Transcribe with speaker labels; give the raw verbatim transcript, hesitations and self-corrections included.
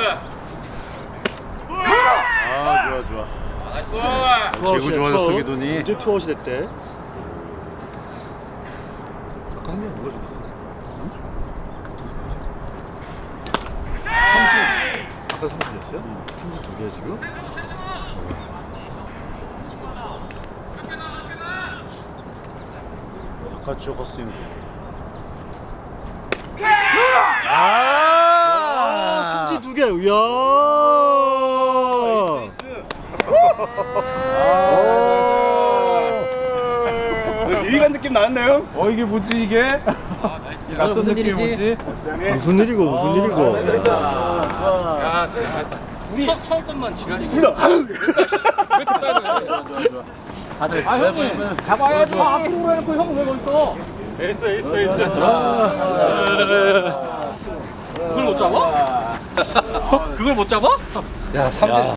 Speaker 1: 아 좋아 좋아.
Speaker 2: 나이스.
Speaker 1: 제구 좋아졌어 기돈이.
Speaker 3: 언제 투아웃이 됐대? 아까 한 명 누가 죽었어?
Speaker 1: 삼진.
Speaker 3: 아까 삼진 됐어요? 삼진 두 개야 지금?
Speaker 1: 아까 저 헛스윙.
Speaker 3: 아,
Speaker 1: 아
Speaker 3: 삼진 두 개. 이야.
Speaker 1: 유희관 느낌 나왔네요. 어 이게 뭐지 이게?
Speaker 2: 아, 나이스.
Speaker 4: 낯선
Speaker 2: 무슨
Speaker 4: 느낌이
Speaker 2: 일이지?
Speaker 3: 무슨 일이고 무슨 일이고.
Speaker 2: 야, 잘했다. 처, 처음 것만 지랄이고. 왜 이렇게 따져? 다들. 아, 형님. 잡아야지. 아, 앞으로 해놓고 형 왜 거기 있어?
Speaker 1: 에이스 에이스 에이스.
Speaker 2: 그걸 못 잡아? 그걸 못 잡아?
Speaker 3: 야, 삼진